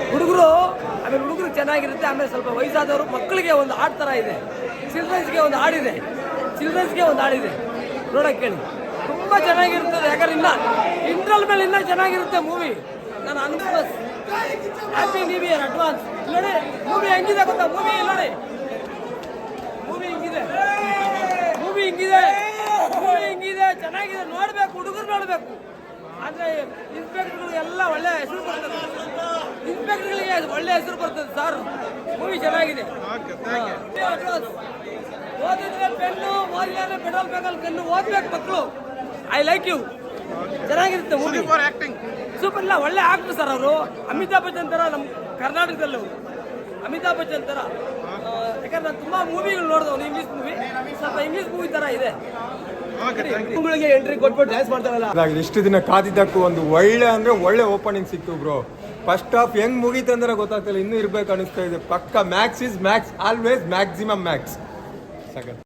ಹುಡುಗರು ಆಮೇಲೆ ಹುಡುಗರು ಚೆನ್ನಾಗಿರುತ್ತೆ. ಆಮೇಲೆ ಸ್ವಲ್ಪ ವಯಸ್ಸಾದವರು ಮಕ್ಕಳಿಗೆ ಒಂದು ಹಾಡು ಥರ ಇದೆ, ಚಿಲ್ಡ್ರನ್ಸ್ಗೆ ಒಂದು ಹಾಡಿದೆ, ನೋಡೋಕೆ ಕೇಳಿ, ತುಂಬ ಚೆನ್ನಾಗಿರ್ತದೆ. ಯಾಕಂದ್ರೆ ಇನ್ನ ಇಂಟ್ರಲ್ ಮೇಲೆ ಇನ್ನೂ ಚೆನ್ನಾಗಿರುತ್ತೆ ಮೂವಿ. ನಾನು ಅನ್ಕೋಸ್ ಹ್ಯಾಪಿ ನ್ಯೂ ಇಯರ್ ಅಡ್ವಾನ್ಸ್. ನೋಡಿ ಮೂವಿ ಹೆಂಗಿದೆ ಗೊತ್ತಾ? ಮೂವಿ ಹಿಂಗಿದೆ ಚೆನ್ನಾಗಿದೆ, ನೋಡ್ಬೇಕು, ಹುಡುಗರು ನೋಡ್ಬೇಕು. ಆದ್ರೆ ಇನ್ಸ್ಪೆಕ್ಟರ್ಗಳು ಎಲ್ಲ ಒಳ್ಳೆ ಹೆಸರು ಬರ್ತದೆ, ಸರ್. ಮೂವಿ ಚೆನ್ನಾಗಿದೆ. ಓದಿದ್ರೆ ಪೆನ್ನು, ಓದಿದ್ರೆ ಪೆಟ್ರೋಲ್ ಬೇಕಲ್ಲಿ ಪೆನ್ನು, ಓದ್ಬೇಕು ಮಕ್ಕಳು. I like you. ಚೆನ್ನಾಗಿರುತ್ತೆ ಮೂವಿ. ಸೂಪರ್. ಇಲ್ಲ ಒಳ್ಳೆ ಆಕ್ಟರ್ ಸರ್ ಅವರು. ಅಮಿತಾಬ್ ಬಚ್ಚನ್ ತರ ನಮ್ಮ ಕರ್ನಾಟಕದಲ್ಲಿ ಅವರು ಅಮಿತಾಬ್ ಬಚ್ಚನ್ ತರ. ಯಾಕಂದ್ರೆ ನಾನು ತುಂಬಾ ಮೂವಿಗಳು ನೋಡಿದವನು, ಇಂಗ್ಲಿಷ್ ಮೂವಿ, ಸ್ವಲ್ಪ ಇಂಗ್ಲಿಷ್ ಮೂವಿ ತರ ಇದೆ. ಎಂಟ್ರಿ ಕೊಟ್ಬಿಟ್ಟು ಡ್ಯಾನ್ಸ್ ಮಾಡ್ತಾರಲ್ಲ. ಇಷ್ಟು ದಿನ ಕಾದಿದ್ದಕ್ಕೂ ಒಂದು ಒಳ್ಳೆ ಓಪನಿಂಗ್ ಸಿಕ್ತು ಬ್ರೋ. ಫಸ್ಟ್ ಹಾಫ್ ಹೆಂಗ್ ಮುಗೀತು ಅಂದ್ರೆ ಗೊತ್ತಾಗ್ತಿಲ್ಲ, ಇನ್ನೂ ಇರ್ಬೇಕು ಅನಿಸ್ತಾ ಇದೆ. ಪಕ್ಕ max is max, always maximum Max.